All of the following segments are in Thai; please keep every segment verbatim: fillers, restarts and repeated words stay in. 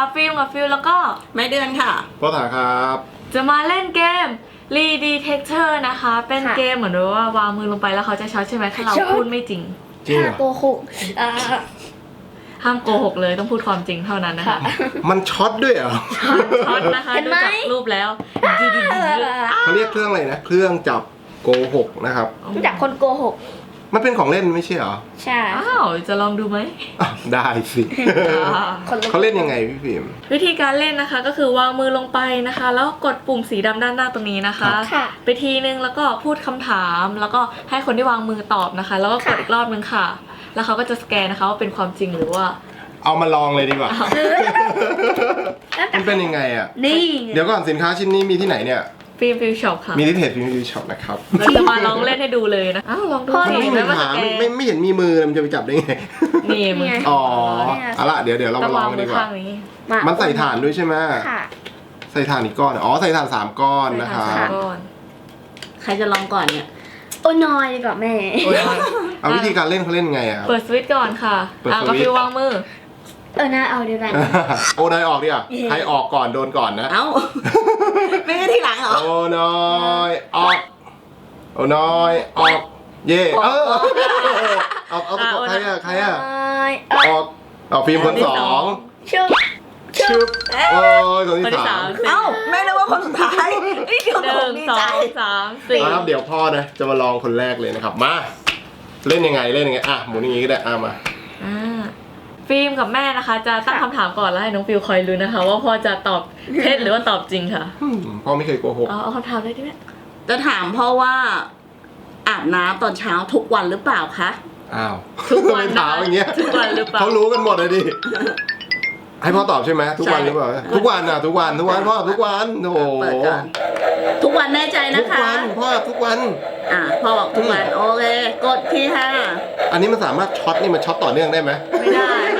ฟิล์มกับฟิลแล้วก็ไม่เดือนค่ะพ่อถาครับจะมาเล่นเกม Lee Detector นะคะ เป็นเกมเหมือนว่าวางมือลงไปแล้วเขาจะช็อตใช่ไหมถ้าเราพูดไม่จริงจริงเหรอโกหกอ่าห้ามโกหกเลยต้องพูดความจริงเท่านั้นนะคะมันช็อตด้วยเหรอช็อตนะคะเห็นดูไหมจากรูปแล้วเขาเรียกเครื่องอะไรนะ เครื่องจับโกหกนะครับรู้จักคนโกหกมันเป็นของเล่นไม่ใช่เหรอใช่อ้าวจะลองดูไหมอ่ะได้สิอ่าคนละเขาเล่นยังไงพี่ฟิล์มวิธีการเล่นนะคะก็คือวางมือลงไปนะคะ แล้วกดปุ่มสีดำด้านหน้าตรงนี้นะคะค่ะไปทีนึงแล้วก็พูดคำถามแล้วก็ให้คนที่วางมือตอบนะคะ แล้วก็กดอีกรอบนึงค่ะ แล้วเขาก็จะสแกนนะคะว่าเป็นความจริงหรือว่าเอามาลองเลยดีกว่าแล้วแต่มันเป็นยังไงอ่ะนี่เดี๋ยวก่อนสินค้าชิ้นนี้มีที่ไหนเนี่ยฟิล์มฟิลช็อปค่ะมีที่เพจฟิล์มยูช็อปนะครับเราจะมาลองเล่นให้ดูเลยนะอ้าวลองดูมันสิไม่มีแล้วว่าขาสแกไม่นไม่ไม่เห็นมีมือมันจะไปจับได้ไงนี่มืออ๋อเอาละเดี๋ยวเดี๋ยวเราต้อมาง ลอวางงกันมืดีอกว่าข้างนี้มามันใส่ถ่านด้วยใช่ไหมค่ะใส่ถ่านอีกก้อนอ๋อใส่ถ่านสามก้อนนะคะใส่ถ่านก่อนใครจะลองก่อนเนี่ยโอ้น้อยดีกว่าแม่โอ้ยเอาวิธีการเล่นเขาเล่นไงอ่ะเปิดสวิตช์ก่อนค่ะเปิดอ่ะสก็วิตช์ฟิลวางมือเออน่าเอาเดียวกันโอ้นายออกดิอ่ะใครออกก่อนโดนก่อนนะเอ้า ไม่ใช่ที่หลังเหรอโอ้น้อยออกโอ้น้อยออกเย่เออเอาเอาเอาใครอ่ะใครอ่ะน้อยออกเอาฟิล์มคนสองชุบชุบโอ้ยคนคนที่ที่สาสาม มเอ้าแม่นึกว่าคนสุดท้ายนี่เดี๋ยวหผนึ่มงดีสอใจงสามสี่ครับเดี๋ยวพ่อนะจะมาลองคนแรกเลยนะครับมาเล่นยังไงเล่นยังไงอ่ะหมุนอย่างงี้ก็ได้อ่ะมาอ่าฟิล์มกับแม่นะคะ จะตั้งคำถามก่อนแล้วให้น้องฟิลคอยรู้นะคะ ว่าพ่อจะตอบเท็จหรือว่าตอบจริงค่ะอืมพ่อไม่เคยโกหกเอาเอาคำถามเลยดิแม่จะถามพ่อว่าอาบน้ำตอนเช้าทุกวันหรือเปล่าคะอ้าวทุกวันทำไมถามอย่างเงี้ยทุกวันหรือเปล่าเขารู้กันหมดเลยดิให้พ่อตอบใช่ไหมทุกวันหรือเปล่าทุกวันอ่ะทุกวันทุกวันพ่อทุกวันโอ้โหเปิดก่อนทุกวันแน่ใจทุนะกคะวันพ่อทุกวันอ่ะพ่อบอกทุกวันโอเคกดที่ห้าอันนี้มันสามารถช็อตนี่มันช็อตต่อเนื่องได้ไหมไม่ได้ค่ะ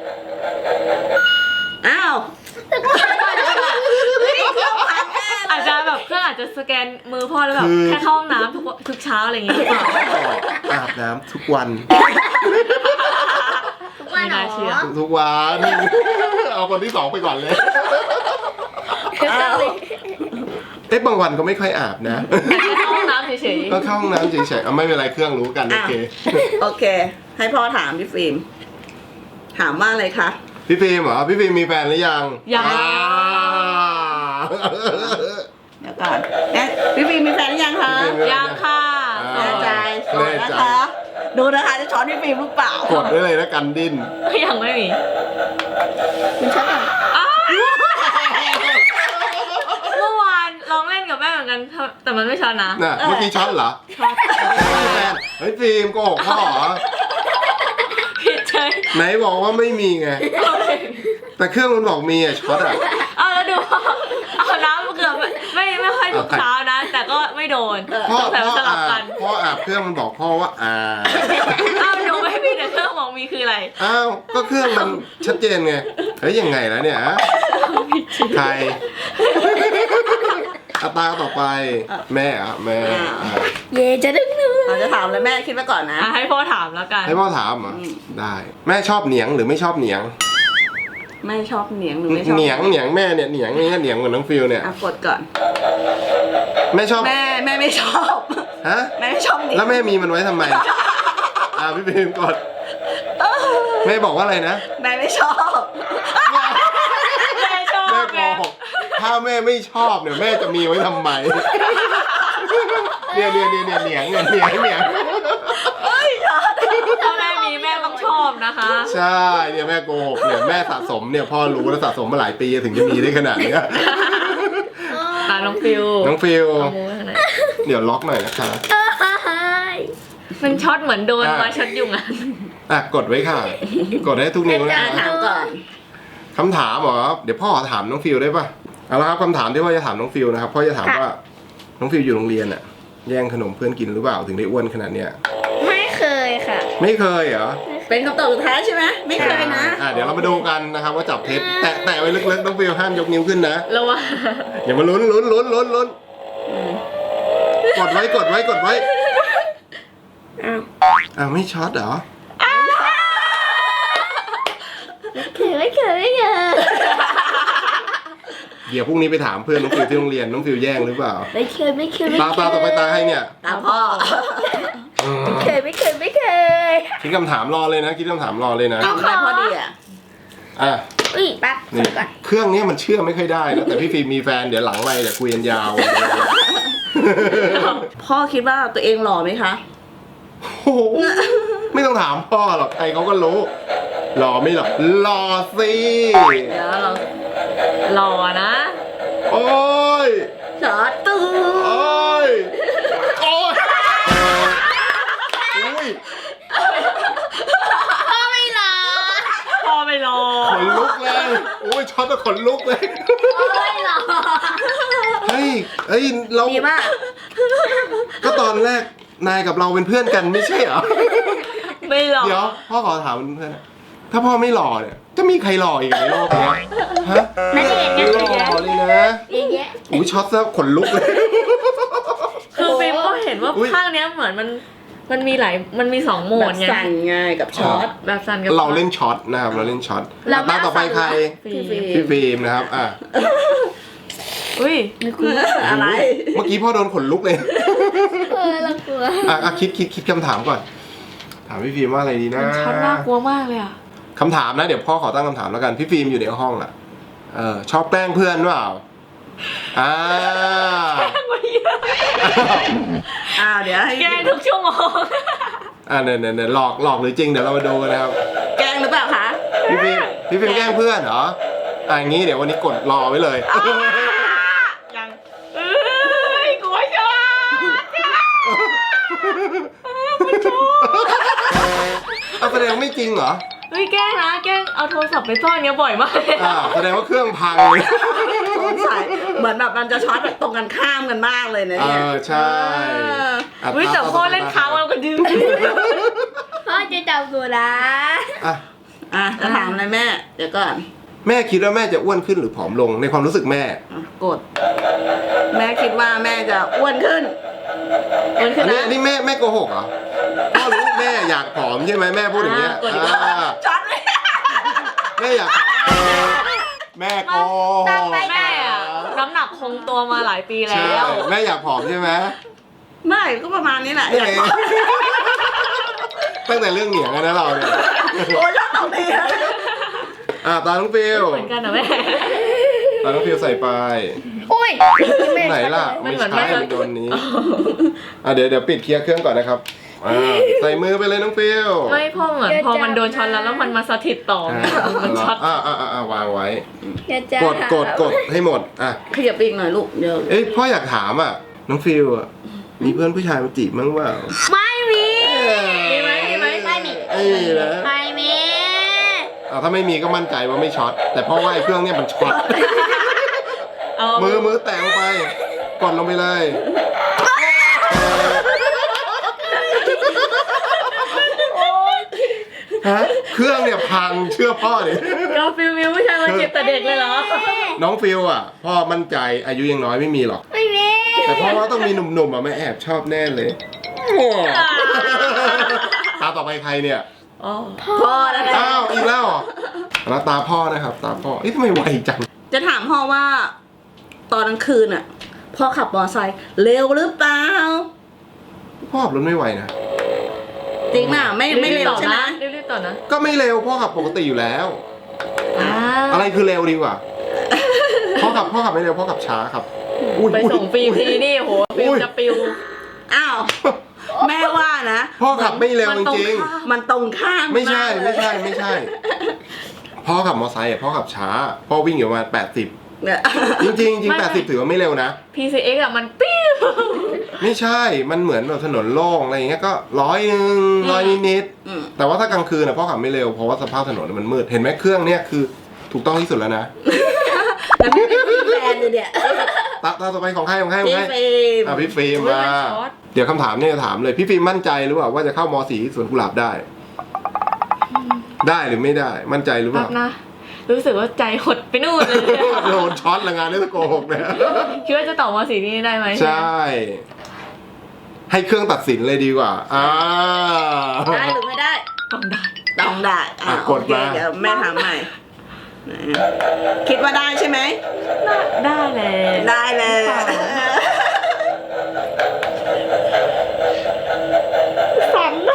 อ้าวอาจจะแบบเครื่องอาจจะสแกนมือพ่อแล้วแบบแค่เข้าห้องน้ำทุกทุกเช้าอะไรอย่างเงี้ยหรือเปล่าอาบน้ำทุกวันทุกวันไม่เหรน่าอเชื่อทุกวัน เอาคนที่สองไปก่อนเลยอ้าวเอ๊ะบางวันก็ไม่ค่อยอาบนะเข้าห้องน้ำเฉยก็เข้าห้องน้ำเฉยๆเอาไม่เป็นไรเครื่องรู้กันโอเคโอเค ให้พ่อถามพี่ฟิล์มถามว่าอะไรคะพี่ฟิล์มเหรอพี่ฟิล์มมีแฟนหรือยังๆยังอ่าเดี๋ยวก่อนเอ๊ะพี่ฟิล์มมีแฟนหรือยังคะพี่ฟิล์มมียังค่ะอ่าแน่ใจโสดแน่นะใจคะ ดูนะคะจะช้อนพี่ฟิล์มหรือเปล่ากดได้เลยนะกันดิ้นยังไม่มีคุณชอบแบบอ้าวเมื่อวานลองเล่นกับแม่เหมือนกันแต่มันไม่ช็อตนะน่ะเมื่อกี้ช็อตเหรอช็อตไม่มีแฟนเฮ้ยฟิล์มโกหกพ่อเหรอผิดเฉยไหนบอกว่าไม่มีไง แต่เครื่องมันบอกมีอะช็อตอะเอาแล้วดูเอาน้ำเกือบไม่ไม่ค่อยทุกเช้านะ แต่ก็ไม่โดนพ่อแต่พ่อสลัอาบบ กันพ่ออาบเครื่องมันบอกพ่อว่าอ่าอ้าวหนูไม่มีแต่เครื่องบอกมีคืออะไรอ้าวก็เครื่องมันชัดเจนไงเฮ้ยยังไงแล้วเนี่ยฮะใครอาตาต่อไปแม่อะแม่อ่ะเย่จะดึงหนูเราจะถามเลยแม่คิดไว้ก่อนนะอ่ะให้พ่อถามแล้วกันให้พ่อถามเหรอ่ะอืมได้ แม่ชอบเหนียงหรือไม่ชอบเหนียงไม่ชอบเหนียงหรือไม่ชอบเหนียงเหนียงแม่เนี่ยเหนียงนี่ก็เหนียงเหมือนน้องฟิลเนี่ยอ่ะกดก่อนแม่ชอบแม่แม่ไม่ชอบฮะแม่ไม่ชอบเหนียงแล้วแม่มีมันไว้ทำไมอ่าพี่พิมพ์กดแม่บอกว่าอะไรนะแม่ไม่ชอบแม่ชอบแม่โกแม่หกถ้าแม่ไม่ชอบเนี่ยแม่จะมีไว้ทำไมเนี่ยเนี่ยเนี่ยเนี่ยเหนียงเนี่ยเหนียงเหนียงถ้าแม่มีแม่ต้องชอบนะคะใช่เนี่ยแม่โกหกเนี่ยแม่สะสมเนี่ยพ่อรู้แล้วสะสมมาหลายปีถึงจะมีได้ขนาดเนี้ยตาน้องฟิวน้องฟิลเอามือไว้ข้างในเดี๋ยวล็อกหน่อยนะคะมันช็อตเหมือนโดนอ่ะมาช็อตยุงอ่ะอ่ะกดไว้ค่ะ กดให้ทุกนิ้วนะอ่ะคะถามก่อนคำถามเหรอเดี๋ยวพ่อถามน้องฟิลได้ป่ะเอาละครับคำถามที่พ่อจะถามน้องฟิลนะครับพ่อจะถามว่าน้องฟิลอยู่โรงเรียนอะแย่งขนมเพื่อนกินหรือเปล่าถึงได้อ้วนขนาดเนี้ยไม่เคยค่ะไม่เคยเหรอเป็นคำตอบสุดท้ายใช่ไหมไม่เคยนะอ่ะเดี๋ยวเรามาดูกันนะครับว่าจับเท็จแตะแตะไว้ลึกๆน้องฟิลห้ามยกนิ้วขึ้นนะแล้วว่าอย่ามาลุ้นลุ้นลุ้นลุ้นลุ้นกดไว้กดไว้กดไว้อ้าวอ้าวไม่ช็อตเหรอเคยไม่เคยไม่เคยเดี๋ยวพรุ่งนี้ไปถามเพื่อนน้องฟิวที่โรงเรียนน้องฟิวแย่งหรือเปล่าไม่เคยไม่เคยไม่ตาเคตายต่อไปตาให้เนี่ยตามพ่ออืมไม่เคยไม่เคยไม่เคยคิดคำถามรอเลยนะคิดคำถามรอเลยนะตามได้พ่อดีอ่ะอ่ะอุ้ยปั๊บนี่ก่อนเครื่องนี้มันเชื่อไม่ค่อยได้นะแต่พี่ฟิล์มมีแฟนเดี๋ยวหลังไมค์เดี๋ยวคุยกันยาวพ่อคิดว่าตัวเองหล่อไหมคะโอ้โหไม่ต้องถามพ่อหรอกใครเขาก็รู้หล่อไม่หรอกหล่อสิเดี๋ยวเราหล่อนะโอ้ยช็อตตู้โอ้ยโอ้ยอุ้ยพ่อไม่หรอพอไม่รอขนลุกเลยโอ้ยช็อตแล้วขนลุกเลยพ่อไม่หรอเฮ้ยเฮ้ยเรามีมากก็ตอนแรกนายกับเราเป็นเพื่อนกันไม่ใช่เหรอไม่หรอเดี๋ยวพ่อขอถามเพื่อนนะถ้าพ่อไม่หล่อเนี่ยจะมีใครหล่ออีกในโลกเนี้ยฮะน่าจะเห็นหกันล่เยอะอเลยนะเยอะแยะอุ้ยช็อตซะขนลุกเลยคือฟิล์มก็เห็นว่าอุ๊ยภาคเนี้ยเหมือนมันมันมีหลายมันมีสองโหมแบดบไงสั่นไงกับช็อตแบบสั่นกับเราเล่นช็อตนะครับเราเล่นช็อตเราไม่ตาต่อไปใครฟิล์มพี่ฟิล์มนะครับอ่ะอุ้ยอะไรเมื่อกี้พ่อโดนขนลุกเลยเออเรากลัวอ่ะอ่ะคิดคิดคิดคำถามก่อน ถามพี่ฟิล์มว่าอะไรดีนะมันช็อตน่ากลัวมากเลยอ่ะคำถามนะเดี๋ยวพ่อขอตั้งคำถามแล้วกันพี่ฟิล์มอยู่ในห้องอ่ะเออชอบแกล้งเพื่อนเปล่าอ่าอ้าวเดี๋ยวให้แกล้งทุกชั่วโมงอ่าเนี่ยเนี่ยเนี่ยหลอกหลอกหรือจริงเดี๋ยวเรามาดูกันนะครับแกล้งหรือเปล่าคะพี่ฟิล์มพี่ฟิล์มแกล้งเพื่อนเหรออ่ะอย่างงี้เดี๋ยววันนี้กดรอไว้เลยยังเอ้ยกลัวช็อตเอาแสดงไม่จริงเหรอเฮ้ยแกล้งนะแกล้งเอาโทรศัพท์ไปซ่อนเนี้ยบ่อยมากเลยอ่าแสดงว่าเครื่องพังสงสัยเหมือนแบบมันจะช็อตแบบตรงกันข้ามกันมากเลยนะเอเนี่ยอใช่อ่ะเฮ้ยแต่พ่อเล่นค้างเราก็ดื้อพ่อจะจับกูนะอ่ะอ่ะจะถามอะไรแม่ เดี๋ยวก่อนแม่คิดว่าแม่จะอ้วนขึ้นหรือผอมลงในความรู้สึกแม่อ่ะกด แม่คิดว่าแม่จะอ้วนขึ้นมันคืออันนี้นะอันนี้แม่แม่โกหกเหรอพ่อรู้แม่อยากผอมใช่ไหมแม่พูดอย่างเงี้ยอ่ากดอีกแล้วอ่าช็อตเลยแม่อยากผอมแม่โกหกแม่อะน้ำหนักคงตัวมาหลายปีแล้ใช่วแม่อยากผอมใช่ไหมไม่ก็ประมาณนี้แหละเอ๊ะตั้งแต่เรื่องเหนียงอะนะเราเนี่ยโอ้ยแล้วตรงนี้อ่ะตาน้องฟิวเหมือนกันนะแม่ตาน้องฟิวใส่ไปอุ้ยไหนล่ะมันไม่เหมือนใช่ไม่โดนนี้อ่ะเดี๋ยวเดี๋ยวปิดเคลียร์เครื่องก่อนนะครับอ่าใส่มือไปเลยน้องฟิวไม่พ่อเหมือนพอมันโดนช็อตแล้วแล้วมันมาสถิตต่ออ่าไงมันช็อตอ่าอ่าอ่าวางไว้อย่าจะกดกดกดให้หมดอ่ะขยับไปอีกหน่อยลูก เดี๋ยวเอ้ยพ่ออยากถามอ่ะน้องฟิวอ่ะมีเพื่อนผู้ชายมาจีบมั้งเปล่าไม่มีมีไหมมีไหมไม่มีเอ้ยนะไม่มีอ่ะถ้าไม่มีก็มั่นใจว่าไม่ช็อตแต่พ่อว่าไอ้เครื่องเนี้ยมันช็อตเอามือมือแตะลงไปกดลงไปเลยฮะเครื่องเนี่ยพังเชื่อพ่อดิกาฟิลมิวผู้ชายมาจีบแต่เด็กเลยเหรอน้องฟิวอ่ะพ่อมั่นใจอายุยังน้อยไม่มีหรอกไม่มีแต่พ่อว่าต้องมีหนุ่มๆอ่ะไม่แอบชอบแน่เลยตาต่อไปใครเนี่ยอ๋อพ่อแล้วนะอ้าวอีกแล้วเหรอแล้วตาพ่อนะครับตาพ่อเอ๊ะทำไมไวจังจะถามพ่อว่า ตอนกลางคืนอ่ะ พ่อขับมอเตอร์ไซค์เร็วหรือเปล่าพ่อขับรถไม่ไหวนะจริงน่ะไม่ไม่เร็วต่อใช่ไหมนะรีบๆต่อนะก็ไม่เร็วพ่อขับปกติอยู่แล้วอ่าอะไรคือเร็วดีกว่าพ่อขับพ่อขับไม่เร็วพ่อขับช้าครับอุ๊ยไปส่งฟิล์มอุ๊ยทีนี่โหฟิล์มจะปิวอ้าว แม่ว่านะพ่อขับไม่เร็วมันจตรงริงข้ามมันตรงข้ามๆไม่ใช่ากเลยไม่ใช่ไม่ใช่ พ่อขับมอเตอร์ไซค์อ่ะพ่อขับช้า พ่อวิ่งอยู่ประมาณแปดสิบเนี่ยจริงๆจริงไม่แปดสิบถือว่าไม่เร็วนะพี ซี เอ็กซ์ อะมันปิ้วไม่ใช่ มันเหมือนแบบถนนโล่งอะไรอย่างเงี้ยก็ร้อยหนึ่งร้อยนิดอืมๆแต่ว่าถ้ากลางคืนนะพ่อขับไม่เร็วเพราะว่าสภาพถนนมันมืดเห็นไหมเครื่องเนี้ยคือถูกต้องที่สุดแล้วนะแล้วพี่เป็นแฟนเลยเนี่ยตาตาต่อไปของใครของใครของพี่ใครเฟรมอ่ะพี่ฟิล์มอุ๊ยมามันช็อตเดี๋ยวคำถามเนี่ยจะถามเลยพี่ฟิล์มมั่นใจหรือเปล่าว่าจะเข้ามสีสวนกุหลาบได้ ได้หรือไม่ได้ มั่นใจหรือเปแป๊ล่าบนะ รู้สึกว่าใจหดไปนู่นเลยโดนช็อตละงานนี่จะโกหกเนี่ยคิดว่าจะตอบมาสีนี้ได้ไหมใช่ ให้เครื่องตัดสินเลยดีกว่าอ่าได้หรือไม่ได้ต้องได้ต้องได้อ่ะอ่ะโอกดเคมาเดี๋ยวแม่ถามใหม่คิดว่าได้ใช่ไหมได้เลยได้เลยฝัน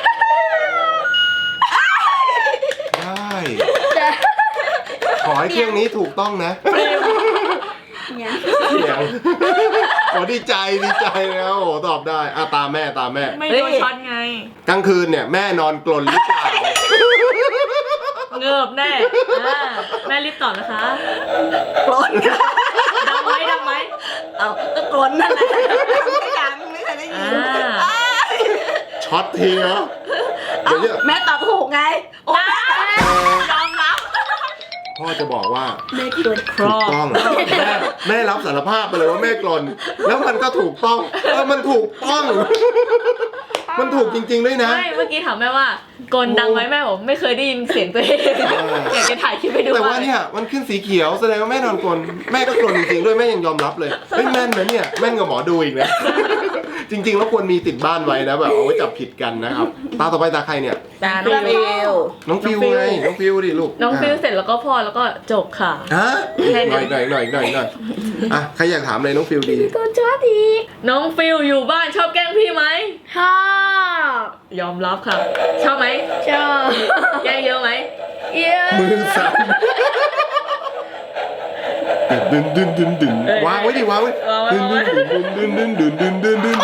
ได้ขอให้เครื่องนี้ถูกต้องนะเนี่ยเสียงโอ้ดีใจดีใจนะโอ้ตอบได้อ่ะตามแม่ตามแม่ไม่โดนช็อตไงกลางคืนเนี่ยแม่นอนกลนหรือเปล่าเงิบแน่อ่าแม่รีบตอบนะคะกลนดังไหมดังไหมเอาก็กลนนั่นแหละไม่ดังไม่เคยได้ยินอ่าช็อตทีเนาะเดี๋ยวเนี่ยแม่ตอบถูกไงโอ๊ยยอมรับพ่อจะบอกว่าไม่กลัวถูกต้องแม่แม่รับสารภาพไปเลยว่าแม่กลนแล้วมันก็ถูกต้องเออมันถูกต้อง มันถูกจริงๆด้วยนะไม่เมื่อกี้ถามแม่ว่ากลดังไหมแม่บอกไม่เคยได้ยินเสียงตัวเองอ่าอยากจะถ่ายคลิปไปดูแต่ว่าเนี่ยมันขึ้นสีเขียวแสดงว่าแม่นอนกลนแม่ก็กลนจริงๆด้วยแม่ยังยอมรับเลยเฮ้ยแม่นนะเนี่ยแม่นกับหมอดูอีกนะ จริงๆแล้วควรมีติดบ้านไว้นะแบบเอาไว้จับผิดกันนะครับตาต่อไปตาใครเนี่ยตาน้องฟิวน้องฟิวไงน้องฟิวดิลูกน้องฟิลเสร็จแล้วก็พอแล้วก็จบค่ะฮะแค่หนี้น่อยหน่อยหน่อยหน่อยหน่อยอ่ะใครอยากถามเลยน้องฟิวดีตัวชอบอีกน้องฟิลอยู่บ้านชอบแกล้งพี่ไหมชอบยอมรับค่ะ ชอบไหมชอบแกล้งเยอะไหมเยอะมือสั่นดึนดึนดึนดึนวางไว้ดิวางไว้ดึนดึนดึนดึนดึนดึนดึนดึน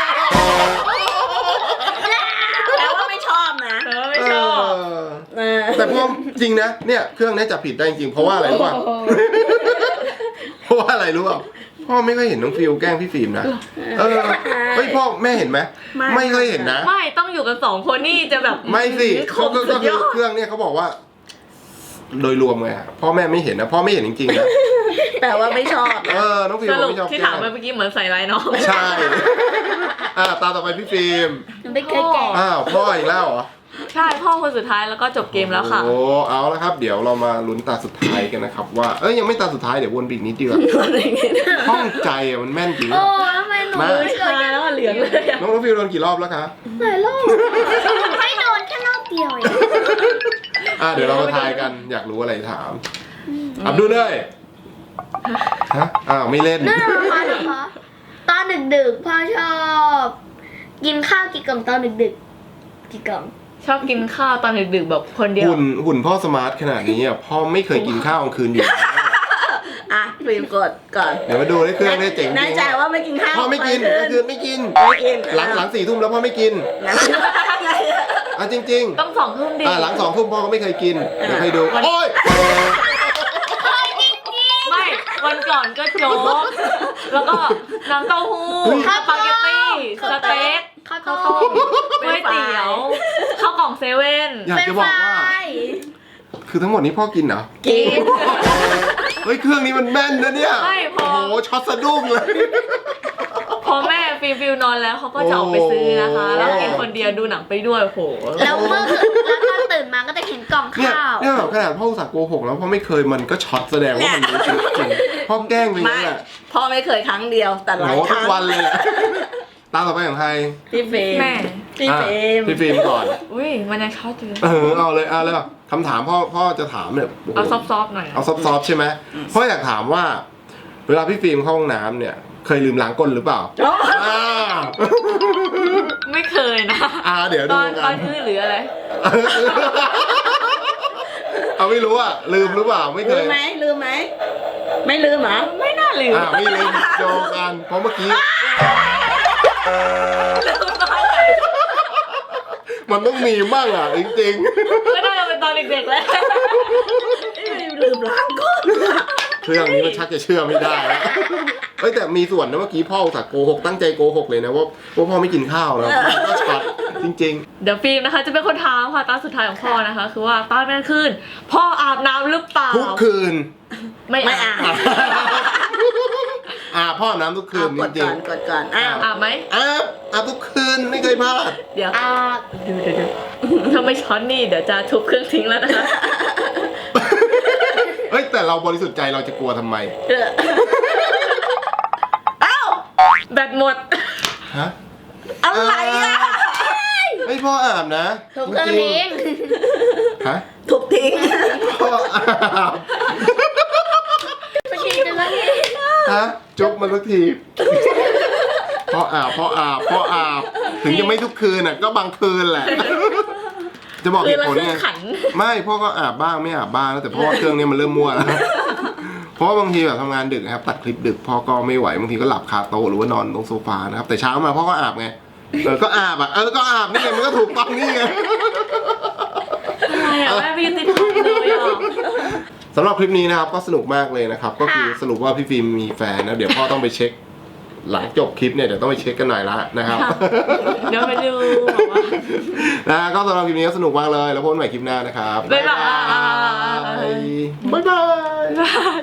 แปลว่าไม่ชอบนะเออไม่ชอบเออแต่พ่อจริงนะเนี่ยเครื่องนี้จับผิดได้จริงเพราะว่าอะไรรู้ป่ะเพราะว่าอะไรรู้ป่ะพ่อไม่เคยเห็นน้องฟิวแกล้งพี่ฟิล์มนะเออเฮ้ยพ่อแม่เห็นไหมไม่เคยเห็นนะไม่ต้องอยู่กันสองคนนี่จะแบบไม่สิคเขามก็สุก็ดคืยออดเครื่องเนี่ยเขาบอกว่า โดยรวมไงอะพ่อแม่ไม่เห็นนะพ่อไม่เห็นจริงๆนะแปลว่าไม่ชอบเออน้องฟิวสรุปไม่ชอบที่แกล้ถามงไปเมื่อกี้เหมือนใส่ร้ายน้องใช่อ่าตาต่อไปพี่ฟิล์มหนูไม่เคยแก่อ้าวพ่ออีกแล้วเหรอใช่พ่อคนสุดท้ายแล้วก็จบเกมแล้วค่ะโอ้เอาละครับ เดี๋ยวเรามาลุ้นตาสุดท้ายกันนะครับว่าเอ้ยยังไม่ตาสุดท้ายเดี๋ยววนไปอีกนิดเดียวห้องใจอะมันแม่นจริงโอ้ทำไมหนูมาไม่เคชายแก่แล้วอะเหลืองเลยอะน้องน้องฟิวโดนกี่รอบแล้วคะหลายรอบไม่โดนแค่รอบเดียวเองอ่าเดี๋ยวเรามาทายกันอยากรู้อะไรถามอับดูเลยฮะอ้าวไม่เล่นนั่นเหรอคะนะคะตอนดึกๆพ่อชอบ กินข้าวกี่กล่องตอนดึกๆกี่กล่องชอบกินข้าวตอนดึกๆแบบคนเดียวหุ่นหุ่นพ่อสมาร์ทขนาดนี้อ่ะพ่อไม่เคยกินข้าวกลางคืนอยู่แล้วอ่ะฟิล์มกดก่อนเดี๋ยวมาดูได้เครื่องได้เจ๋งจแน่ริงใจว่าไม่กินข้าวพ่อไม่กินกลางกลางคืคืนนไม่กินไม่กินหลังหลังสี่ทุ่มแล้วพ่อไม่กินนะอ่ะจริงต้องสองทุ่มๆดีอ่ะหลังสองทุ่มพ่อก็ไม่เคยกินเดี๋ยวให้ดูโอ้ยไม่วันก่อนก็โจ๊กแล้วก็น้ำเต้าหู้สปาเกตตี้สเต็กข้าวข้าวต้ต้มมก๋วยเตี๋ยวข้าวกล่องเซเว่นอยากจะบอกว่า คือทั้งหมดนี้พ่อกินเหรอกินเฮ้ยเครื่องนี้มันแม่นนะเนี่ยไม่พอโอ้โหช็อตสะดุ้งเลยพอแม่ฟิลฟิลนอนแล้วเขาก็จะออกไปซื้อนะคะโอ้แล้วกินคนเดียวดูหนังไปด้วยโหแล้วเมื่อคืนแล้วตอนตื่นมาก็จะเห็นกล่องเนี่ยข้าวเนี่ยแบบขนาดพ่ออุตส่าห์โกหกแล้วพ่อไม่เคยมันก็ช็อตแสดงว่ามันรู้จริงๆพ่อแกล้งไปไม่งั้นแหละพ่อไม่เคยครั้งเดียวแต่หโอ้ลายโหคทุรั้กงวันเลยแหละตามต่อไปของใครพี่ฟิล์มแม่พี่อ่ะฟิล์มพี่ฟิล์มก่อนอุ้ยมันยังช็อตอยู่เลยเออเอาเลยเอาเลยคำถามพ่อพ่อจะถามเนี่ยโโหเอาซอฟๆหน่อยเอาซอฟๆใช่ไหมพ่ออยากถามว่า เวลาพี่ฟิล์มเข้าห้องน้ำเนี่ย เคยลืมล้างก้นหรือเปล่าโอ้อ่าไม่เคยนะอ่าเดี๋ยวตดูอนตกัอน นอื้อหรืออะไรเอาไม่รู้อ่ะลืมหรือเปล่าไม่เคลืยมไหมลืมไหมไม่ลืมเหรอไม่น่าลืมอ่าไม่ลืมโจกันเพราะเมื่อกี้ มันต้องมีมั่งอ่ะจริงก็น่าจะเป็นตอนเด็กๆแล้วลืมล้างก้นๆเครื่องนี้มันชักจะเชื่อไม่ได้แล้วเอ้ยแต่มีส่วนนะเมื่อกี้พ่ออุตส่าห์โกหกตั้งใจโกหกเลยนะว่าว่าพ่อไม่กินข้าวนะก็ช็อตจริงเดี๋ยวฟิล์มนะคะ จะเป็นคนถามค่ะตอนสุดท้ายของพ่อนะคะ คือว่าตอนกลางคืนพ่ออาบน้ำหรือเปล่าๆ ทุกคืนไม่ไม่อาอ่าบอ่าพ่ออาบน้ำทุกคืนเอากจดริก่งอนกดก่อนอ้าวอาบไหมๆอาบอาบทุกคืนไม่เคยพลาดเดี๋ยวอาบดูเดี๋ยวดูถ้าไม่ช็อตนี่เดี๋ยวจะทุบเครื่องทิ้งแล้วนะคะเฮ้ยแต่เราบริสุทธิ์ใจเราจะกลัวทำไมอ้าวแบตหมดฮะอะไรอ่ะไม่พ่ออาบนะถูกเครื่องทิ้งจฮะทุบทิ้งพ่ออาบไปกินกันแล้วนี่ฮะจุ๊บมาสักทีพ่ออาบพ่ออาบพ่ออาบถึงจะไม่ทุกคืนอ่ะก็บางคืนแหละ จะบอกคืเหอตุละผลครึ่งไงขันไม่พ่อก็อาบบ้างไม่อาบบ้างแล้วแต่เพราะว่าเครื่องนี้มันเริ่มมั่วแล้ว เพราะว่าบางทีแบบทำงานดึกนะครับตัดคลิปดึกพ่อก็ไม่ไหวบางทีก็หลับคาโต๊ะหรือว่านอนตรงโซฟานะครับแต่เช้ามาพ่อก็อาบไงเออก็อาบอ่ะเออก็อาบนี่ไงมันก็ถูกต้องนี่ไงอะไรอ่ะแม่ไม่ยุติธรรมเลยอ่ะสำหรับคลิปนี้นะครับก็สนุกมากเลยนะครับก็คือสรุปว่าพี่ฟิล์มมีแฟนนะเดี๋ยวพ่อต้องไปเช็ค หลังจบคลิปเนี่ยเดี๋ยวต้องไปเช็คกันหน่อยละนะครับเดี๋ยวไปดูบอกว่านะก็สำหรับคลิปนี้ก็สนุกมากเลยแล้วพบกันใหม่คลิปหน้านะครับบ๊ายบายบ๊ายบายบ๊ายบาย